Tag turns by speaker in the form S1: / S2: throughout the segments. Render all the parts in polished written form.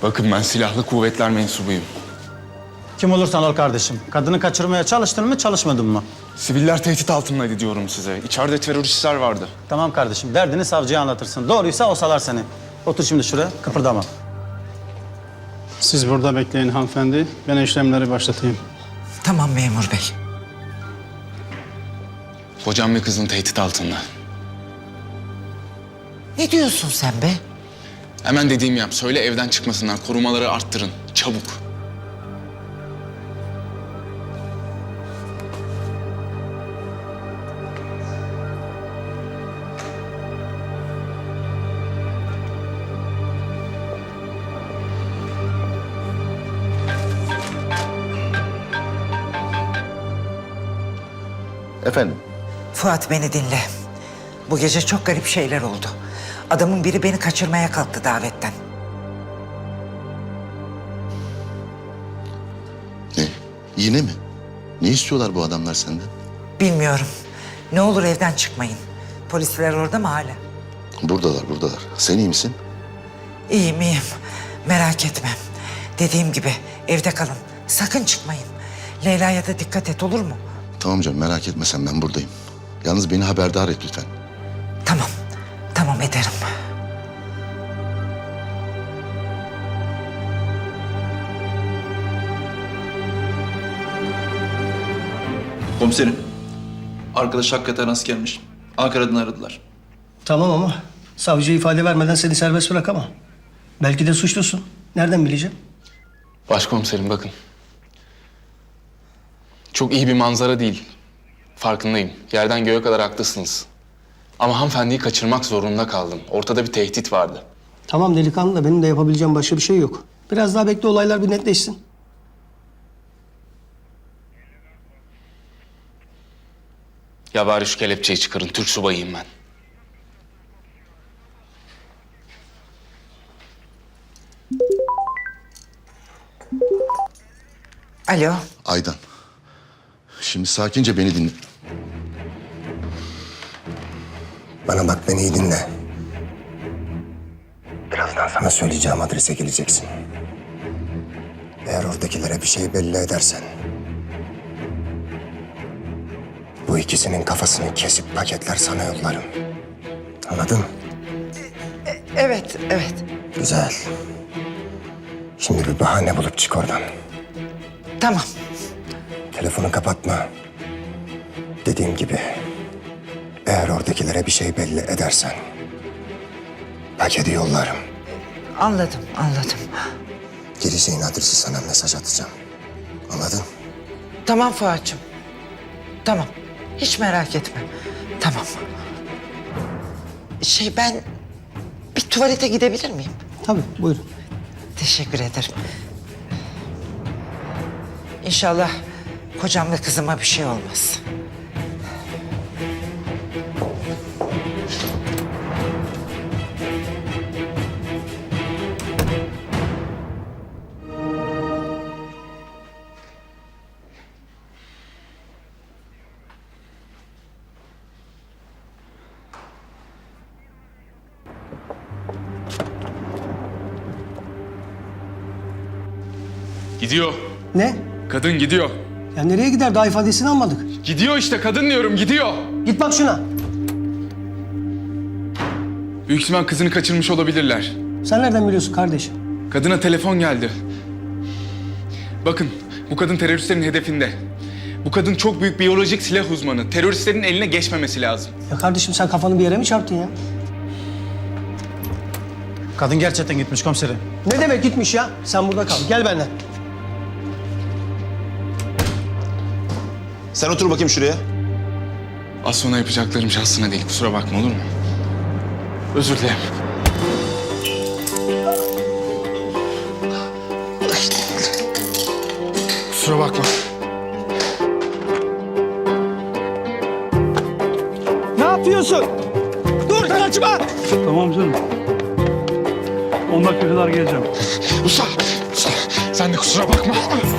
S1: Bakın ben silahlı kuvvetler mensubuyum.
S2: Kim olursan ol kardeşim. Kadını kaçırmaya çalıştın mı, çalışmadın mı?
S1: Siviller tehdit altındaydı diyorum size. İçeride teröristler vardı.
S2: Tamam kardeşim, derdini savcıya anlatırsın. Doğruysa o salar seni. Otur şimdi şuraya, kıpırdama.
S3: Siz burada bekleyin hanımefendi. Ben işlemleri başlatayım.
S4: Tamam memur bey.
S1: Hocam ve kızın tehdit altında.
S4: Ne diyorsun sen be?
S1: Hemen dediğimi yap. Söyle evden çıkmasınlar. Korumaları arttırın. Çabuk.
S5: Efendim?
S4: Fuat beni dinle. Bu gece çok garip şeyler oldu. Adamın biri beni kaçırmaya kalktı davetten.
S5: Ne? Yine mi? Ne istiyorlar bu adamlar senden?
S4: Bilmiyorum. Ne olur evden çıkmayın. Polisler orada mı hala?
S5: Buradalar, buradalar. Sen iyi misin?
S4: İyiyim iyiyim. Merak etme. Dediğim gibi evde kalın. Sakın çıkmayın. Leyla'ya da dikkat et, olur mu?
S5: Tamam canım, merak etme sen, ben buradayım. Yalnız beni haberdar et lütfen.
S4: Tamam. Tamam ederim.
S6: Komiserim, arkadaş hakikaten askermiş. Ankara'dan aradılar.
S7: Tamam ama savcıya ifade vermeden seni serbest bırakamam. Belki de suçlusun. Nereden bileceğim?
S1: Başkomiserim bakın. Çok iyi bir manzara değil. Farkındayım. Yerden göğe kadar haklısınız. Ama hanımefendiyi kaçırmak zorunda kaldım. Ortada bir tehdit vardı.
S7: Tamam delikanlı da benim de yapabileceğim başka bir şey yok. Biraz daha bekle, olaylar bir netleşsin.
S1: Ya bari şu kelepçeyi çıkarın. Türk subayıyım ben.
S4: Alo.
S5: Aydan. Şimdi sakince beni dinle.
S8: Bana bak, beni iyi dinle. Birazdan sana söyleyeceğim adrese geleceksin. Eğer oradakilere bir şey belli edersen... bu ikisinin kafasını kesip paketler sana yollarım. Anladın mı?
S4: Evet, evet.
S8: Güzel. Şimdi bir bahane bulup çık oradan.
S4: Tamam.
S8: Telefonu kapatma. Dediğim gibi... eğer oradakilere bir şey belli edersen... paketi yollarım.
S4: Anladım, anladım.
S8: Gireceğin adresi sana mesaj atacağım. Anladın?
S4: Tamam Fuat'cığım. Tamam. Hiç merak etme. Tamam. Ben bir tuvalete gidebilir miyim?
S7: Tabii, buyurun.
S4: Teşekkür ederim. İnşallah kocam ve kızıma bir şey olmaz.
S1: Gidiyor.
S7: Ne?
S1: Kadın gidiyor.
S7: Ya nereye gider? Daha ifadesini almadık.
S1: Gidiyor işte. Kadın diyorum. Gidiyor.
S7: Git bak şuna.
S1: Büyük ihtimal kızını kaçırmış olabilirler.
S7: Sen nereden biliyorsun kardeşim?
S1: Kadına telefon geldi. Bakın bu kadın teröristlerin hedefinde. Bu kadın çok büyük biyolojik silah uzmanı. Teröristlerin eline geçmemesi lazım.
S7: Ya kardeşim sen kafanı bir yere mi çarptın ya?
S2: Kadın gerçekten gitmiş komiserim.
S7: Ne demek gitmiş ya? Sen burada kal. Gel benden.
S9: Sen otur bakayım şuraya.
S1: Az sonra yapacaklarım şahsına değil. Kusura bakma olur mu? Özür dilerim. Kusura bakma.
S7: Ne yapıyorsun? Dur kaçma!
S3: Tamam canım. 10 dakika kadar geleceğim.
S1: Usta, sen de kusura bakma.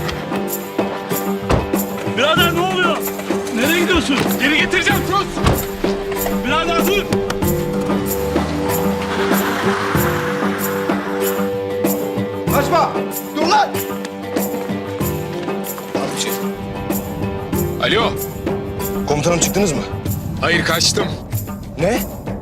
S3: Birader ne oluyor? Nereye gidiyorsun?
S1: Geri getireceğim sus.
S3: Birader dur!
S5: Kaçma! Dur lan!
S1: Alo.
S8: Komutanım çıktınız mı?
S1: Hayır, kaçtım.
S8: Ne?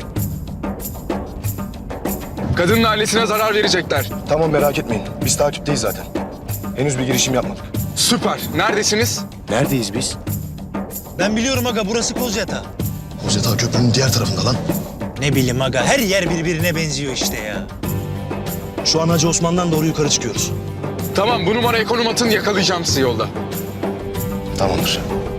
S1: Kadının ailesine zarar verecekler.
S8: Tamam merak etmeyin. Biz takipteyiz zaten. Henüz bir girişim yapmadık.
S1: Süper. Neredesiniz?
S8: Neredeyiz biz?
S9: Ben biliyorum aga, burası Kozyatağı.
S5: Kozyatağı Köprü'nün diğer tarafında lan.
S9: Ne bileyim aga, her yer birbirine benziyor işte ya.
S8: Şu an Hacı Osman'dan doğru yukarı çıkıyoruz.
S1: Tamam, bu numaraya konum atın, yakalayacağım sizi yolda.
S8: Tamamdır.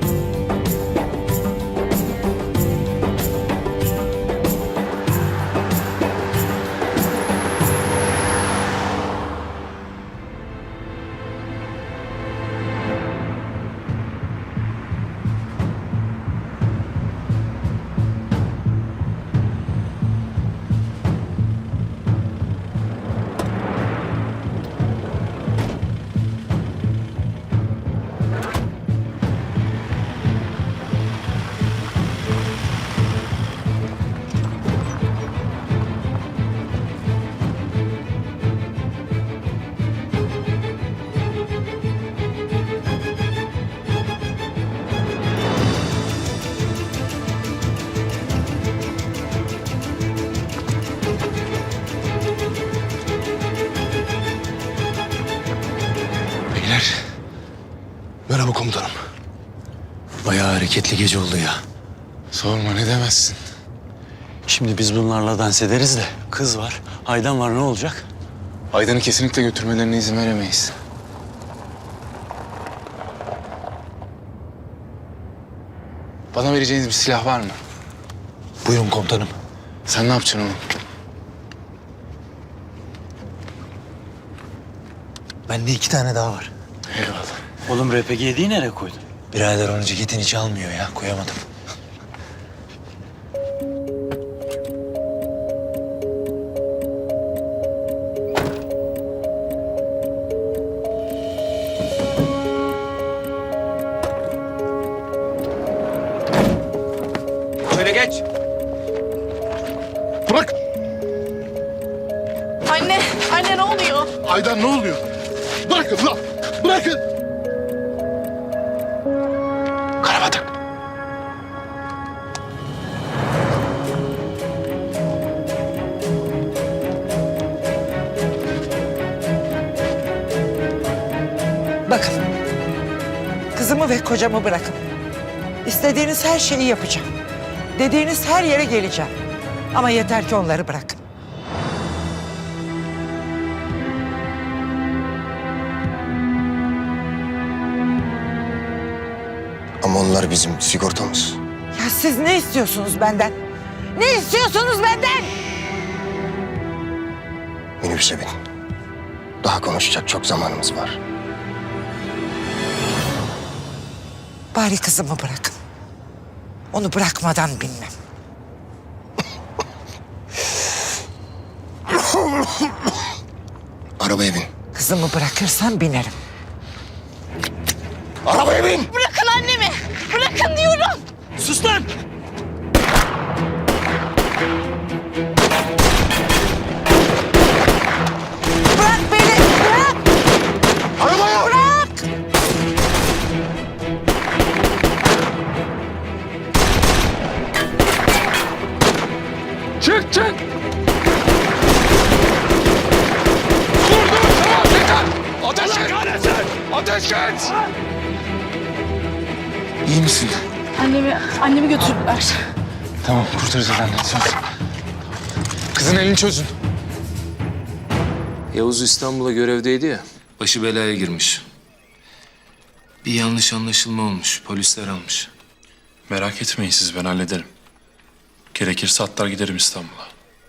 S1: Beyler.
S8: Merhaba komutanım.
S9: Bayağı hareketli gece oldu ya.
S1: Sorma, ne demezsin.
S9: Şimdi biz bunlarla dans ederiz de kız var, Aydan var, ne olacak?
S1: Aydan'ı kesinlikle götürmelerine izin veremeyiz. Bana vereceğiniz bir silah var mı?
S9: Buyurun komutanım.
S1: Sen ne yapacaksın oğlum?
S9: Bende 2 tane daha var.
S1: Eyvallah.
S9: Oğlum RPG'yi nereye koydun? Birader onu ceketin içi almıyor ya, koyamadım.
S1: Şöyle geç.
S5: Bırak!
S10: Anne ne oluyor?
S5: Aydan ne oluyor? Bırakın lan! Bırakın!
S1: Karabatak.
S4: Bakın, kızımı ve kocamı bırakın. İstediğiniz her şeyi yapacağım. Dediğiniz her yere geleceğim. Ama yeter ki onları bırakın.
S8: Ama onlar bizim sigortamız.
S4: Ya siz ne istiyorsunuz benden? Ne istiyorsunuz benden?
S8: Minibüse bin. Daha konuşacak çok zamanımız var.
S4: Bari kızımı bırakın. Onu bırakmadan bilmem.
S8: Arabaya bin.
S4: Kızımı bırakırsan binerim.
S8: Arabaya bin!
S10: Bırakın annemi. Bırakın diyorum.
S9: Sus lan!
S4: Bırak beni! Bırak!
S8: Arabaya!
S4: Bırak!
S1: Çık, çık! Dur, tamam, yeter! Ateş et! Ateş et! İyi misin?
S10: Annemi götürdüler.
S1: Tamam, kurtaracağız annen, söz. Kızın elini çözün.
S11: Yavuz İstanbul'a görevdeydi ya, başı belaya girmiş. Bir yanlış anlaşılma olmuş, polisler almış.
S3: Merak etmeyin siz, ben hallederim. Gerekirse atlar giderim İstanbul'a.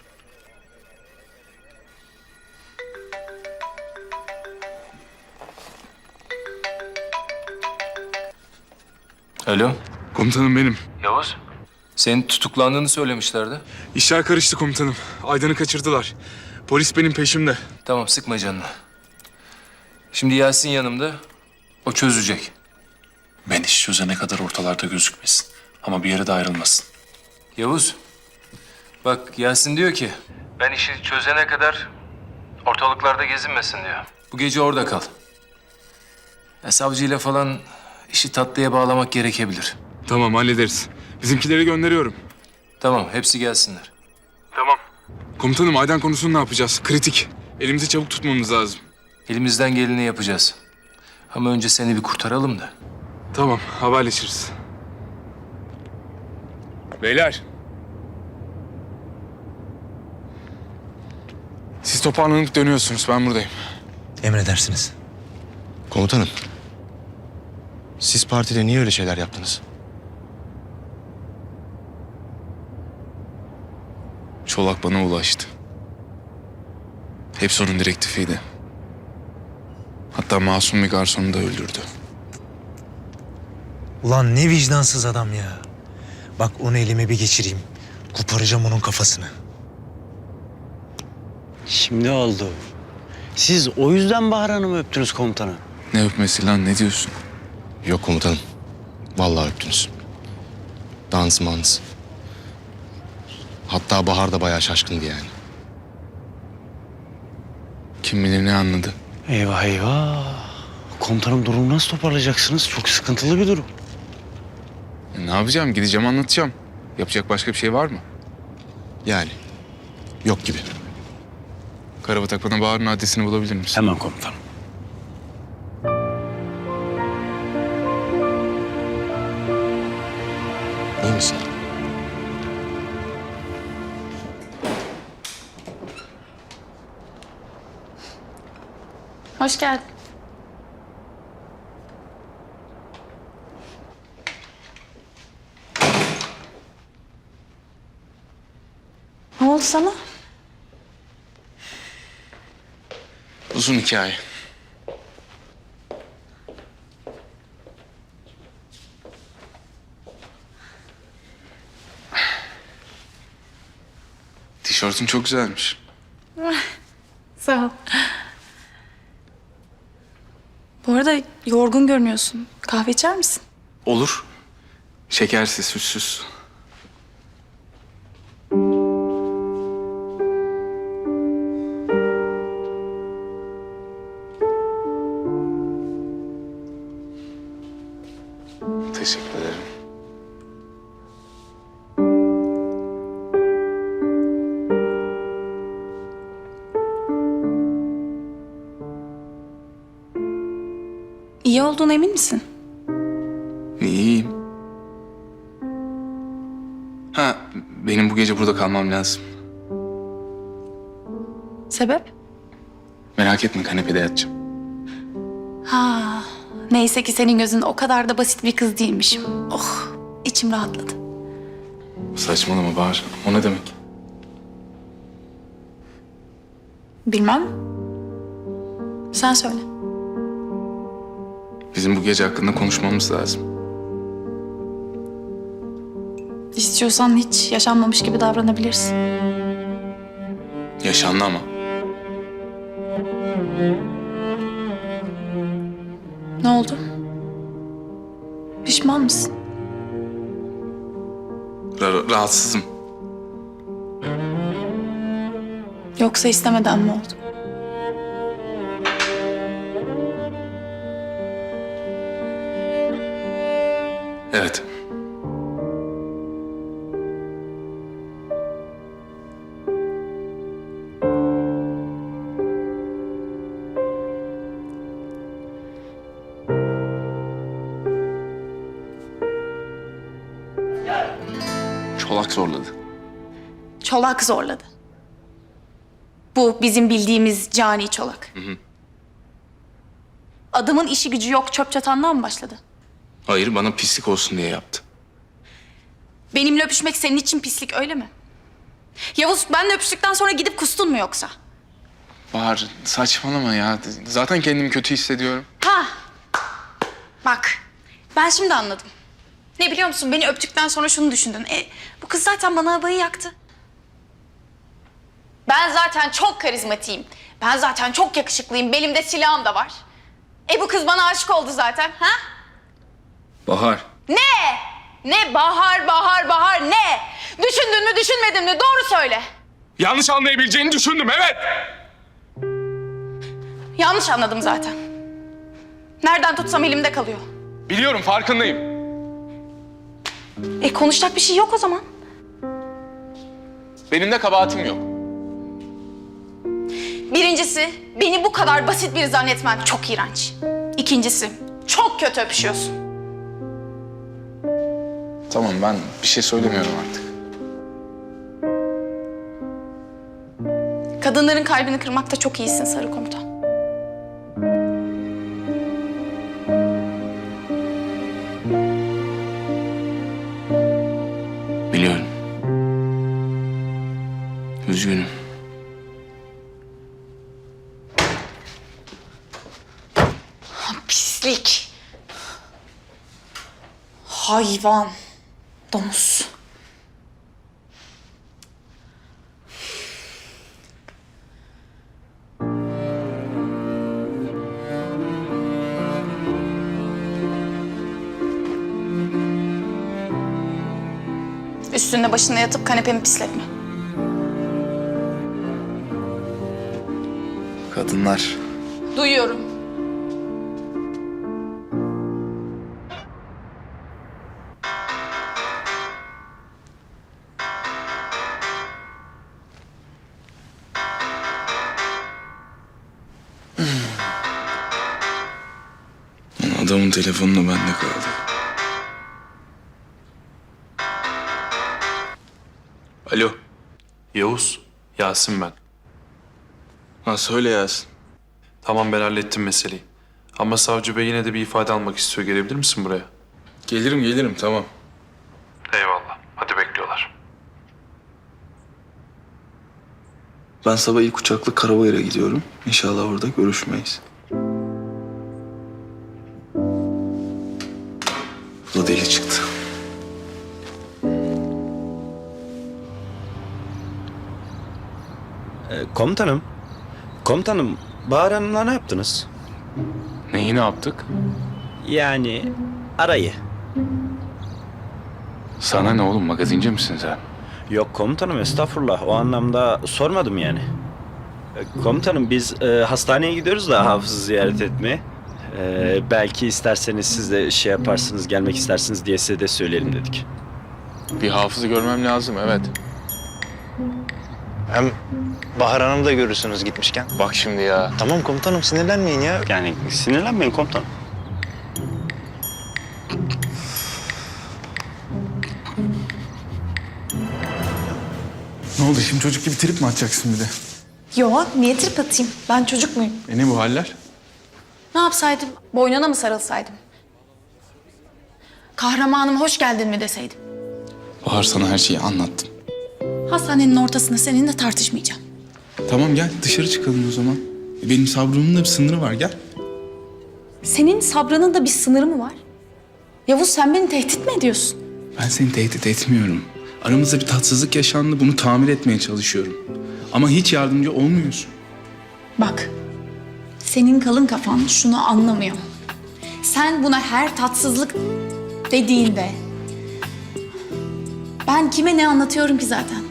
S11: Alo,
S1: Komutanım benim.
S11: Yavuz? Senin tutuklandığını söylemişlerdi.
S1: İşler karıştı komutanım. Aydan'ı kaçırdılar. Polis benim peşimde.
S11: Tamam, sıkma canını. Şimdi Yasin yanımda, o çözecek.
S3: Ben iş çözene kadar ortalarda gözükmesin. Ama bir yere de ayrılmasın.
S11: Yavuz, bak Yasin diyor ki... Ben işi çözene kadar ortalıklarda gezinmesin diyor. Bu gece orada kal. Ya savcıyla falan işi tatlıya bağlamak gerekebilir.
S1: Tamam, hallederiz. Bizimkileri gönderiyorum.
S11: Tamam, hepsi gelsinler.
S1: Komutanım, Aydan konusunu ne yapacağız? Kritik. Elimizi çabuk tutmamız lazım.
S11: Elimizden geleni yapacağız. Ama önce seni bir kurtaralım da.
S1: Tamam, haberleşiriz. Beyler. Siz toparlanıp dönüyorsunuz, ben buradayım.
S8: Emredersiniz.
S5: Komutanım. Siz partide niye öyle şeyler yaptınız?
S1: Çolak bana ulaştı. Hepsi onun direktifiydi. Hatta masum bir garsonu da öldürdü.
S8: Ulan ne vicdansız adam ya. Bak onu elime bir geçireyim. Koparacağım onun kafasını.
S9: Şimdi oldu. Siz o yüzden Bahar Hanım'ı öptünüz komutanım.
S1: Ne öpmesi lan, ne diyorsun?
S5: Yok komutanım. Vallahi öptünüz. Dans mans. Hatta Bahar da bayağı şaşkındı yani.
S1: Kim bilir ne anladı.
S9: Eyvah eyvah. Komutanım durumu nasıl toparlayacaksınız? Çok sıkıntılı bir durum.
S1: Ne yapacağım? Gideceğim, anlatacağım. Yapacak başka bir şey var mı?
S5: Yani. Yok gibi.
S1: Karabatak, bana Bahar'ın adresini bulabilir misin?
S9: Hemen komutanım.
S5: İyi misin?
S10: Hoş geldin. Ne oldu sana?
S1: Uzun hikaye. Tişörtün çok güzelmiş.
S10: Sağ ol. Bu arada yorgun görünüyorsun. Kahve içer misin?
S1: Olur. Şekersiz, sütsüz. Teşekkür ederim.
S10: İyi olduğuna emin misin?
S1: İyiyim. Ha, benim bu gece burada kalmam lazım.
S10: Sebep?
S1: Merak etme, kanepede yatacağım.
S10: Ha, neyse ki senin gözünde o kadar da basit bir kız değilmişim. Oh, içim rahatladı.
S1: Saçmalama Bahar. O ne demek?
S10: Bilmem. Sen söyle.
S1: Bizim bu gece hakkında konuşmamız lazım.
S10: İstiyorsan hiç yaşanmamış gibi davranabilirsin.
S1: Yaşandı ama.
S10: Ne oldu? Pişman mısın?
S1: Rahatsızım.
S10: Yoksa istemeden mi oldu?
S1: Evet. Çolak zorladı.
S10: Çolak zorladı. Bu bizim bildiğimiz cani çolak. Adamın işi gücü yok, çöp çatandan mı başladı?
S1: Hayır, bana pislik olsun diye yaptı.
S10: Benimle öpüşmek senin için pislik, öyle mi? Yavuz, benle öpüştükten sonra gidip kustun mu yoksa?
S1: Bahar, saçmalama ya. Zaten kendimi kötü hissediyorum.
S10: Ha! Bak, ben şimdi anladım. Ne biliyor musun? Beni öptükten sonra şunu düşündün. Bu kız zaten bana havayı yaktı. Ben zaten çok karizmatiyim. Ben zaten çok yakışıklıyım. Belimde silahım da var. Bu kız bana aşık oldu zaten. Ha?
S1: Bahar.
S10: Ne? Ne bahar bahar bahar ne? Düşündün mü düşünmedin mi? Doğru söyle.
S1: Yanlış anlayabileceğini düşündüm, evet.
S10: Yanlış anladım zaten. Nereden tutsam elimde kalıyor.
S1: Biliyorum, farkındayım.
S10: Konuşacak bir şey yok o zaman.
S1: Benim de kabahatim yok.
S10: Birincisi, beni bu kadar basit biri zannetmen çok iğrenç. İkincisi, çok kötü öpüşüyorsun.
S1: Tamam, ben bir şey söylemiyorum artık.
S10: Kadınların kalbini kırmakta çok iyisin Sarı Komutan.
S11: Biliyorum. Üzgünüm.
S10: Pislik. Hayvan. Domuz. Üstünde başına yatıp kanepemi pisletme.
S1: Kadınlar.
S10: Duyuyorum.
S1: Adamın telefonunu bende kaldı. Alo.
S3: Yavuz, Yasin ben.
S1: Ha, söyle Yasin.
S3: Tamam, ben hallettim meseleyi. Ama savcı bey yine de bir ifade almak istiyor. Gelebilir misin buraya?
S1: Gelirim, tamam.
S3: Eyvallah. Hadi bekliyorlar.
S6: Ben sabah ilk uçakla Karabayır'a gidiyorum. İnşallah orada görüşmeyiz. Bu da deli çıktı.
S9: Komutanım, Bahar Hanım'la ne yaptınız?
S1: Neyi ne yaptık?
S9: Yani arayı.
S1: Sana ne oğlum, magazinci misin sen?
S9: Yok komutanım, estağfurullah. O anlamda sormadım yani. Komutanım, biz hastaneye gidiyoruz da hafızı ziyaret etmeye. Belki isterseniz siz de şey yaparsınız, gelmek istersiniz diye size de söyleyelim dedik.
S1: Bir hafızı görmem lazım, evet.
S12: Hem Bahar Hanım'ı da görürsünüz gitmişken.
S1: Bak şimdi ya.
S12: Tamam komutanım sinirlenmeyin ya.
S9: Yani sinirlenmeyin komutanım.
S1: Ne oldu, şimdi çocuk gibi trip mi atacaksın bir de?
S10: Yo, niye trip atayım? Ben çocuk muyum?
S1: Ne bu haller?
S10: Ne yapsaydım? Boynuna mı sarılsaydım? Kahramanım hoş geldin mi deseydim?
S1: Bahar, sana her şeyi anlattım.
S10: Hastanenin ortasında seninle tartışmayacağım.
S1: Tamam, gel dışarı çıkalım o zaman. Benim sabrımın da bir sınırı var, gel.
S10: Senin sabrının da bir sınırı mı var? Yavuz, sen beni tehdit mi ediyorsun?
S1: Ben seni tehdit etmiyorum. Aramızda bir tatsızlık yaşandı, bunu tamir etmeye çalışıyorum. Ama hiç yardımcı olmuyorsun.
S10: Bak, senin kalın kafan şunu anlamıyor. Sen buna her tatsızlık dediğinde... Ben kime ne anlatıyorum ki zaten?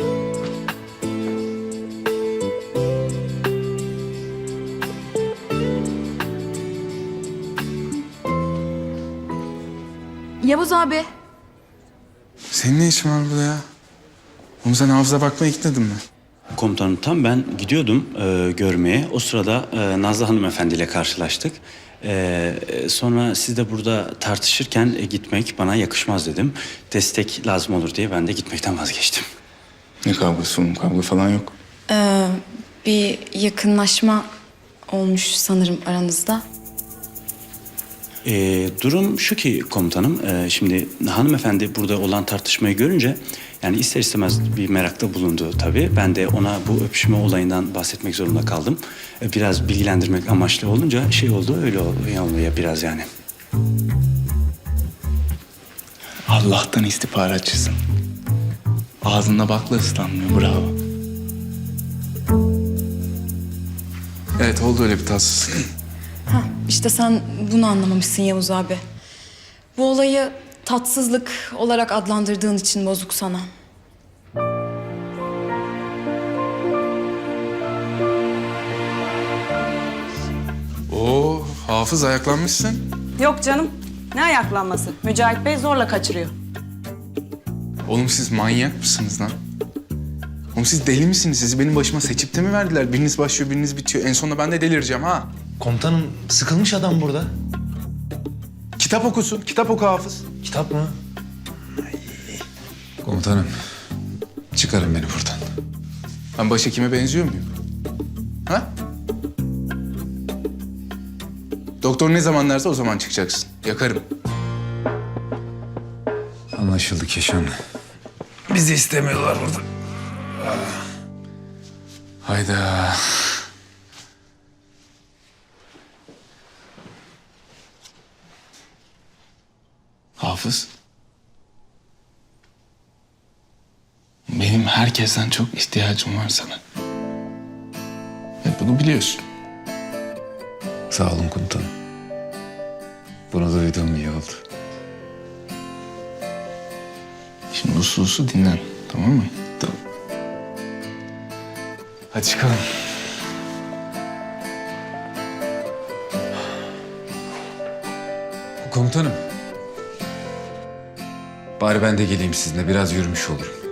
S10: Yavuz abi.
S1: Senin ne işin var burada ya? Oğlum, sen hafıza bakmaya gitmedin mi?
S9: Komutanım, tam ben gidiyordum görmeye. O sırada Nazlı hanımefendiyle karşılaştık. Sonra siz de burada tartışırken gitmek bana yakışmaz dedim. Destek lazım olur diye ben de gitmekten vazgeçtim.
S1: Ne kavgası oğlum? Kavga falan yok.
S10: Bir yakınlaşma olmuş sanırım aranızda.
S9: Durum şu ki komutanım, şimdi hanımefendi burada olan tartışmayı görünce yani ister istemez bir merakta bulundu tabii. Ben de ona bu öpüşme olayından bahsetmek zorunda kaldım. Biraz bilgilendirmek amaçlı olunca şey oldu, öyle oluyor biraz yani.
S1: Allah'tan istihbaratçısın. Ağzında bakla ıslanmıyor, bravo. Evet, oldu öyle bir tatsızlık.
S10: İşte sen bunu anlamamışsın Yavuz abi. Bu olayı tatsızlık olarak adlandırdığın için bozuk sana.
S1: Hafız ayaklanmışsın.
S13: Yok canım. Ne ayaklanması? Mücahit Bey zorla kaçırıyor.
S1: Oğlum siz manyak mısınız lan? Oğlum siz deli misiniz? Sizi benim başıma seçip de mi verdiler? Biriniz başlıyor, biriniz bitiyor. En sonunda ben de delireceğim ha.
S12: Komutanım sıkılmış adam burada.
S1: Kitap okusun, kitap oku Hafız.
S12: Kitap mı?
S1: Komutanım, çıkarın beni buradan. Ben başhekime benziyor muyum? Ha? Doktor ne zaman derse o zaman çıkacaksın. Yakarım.
S14: Anlaşıldı Keşan.
S1: Bizi istemiyorlar burada. Hayda. Hafız. Benim herkesten çok ihtiyacım var sana. Ve bunu biliyorsun.
S14: Sağ olun komutanım. Bunu duyduğum iyi oldu.
S1: Şimdi uslu uslu dinlen, tamam mı?
S14: Tamam.
S1: Hadi çıkalım.
S14: Komutanım. Bari ben de geleyim sizinle. Biraz yürümüş olurum.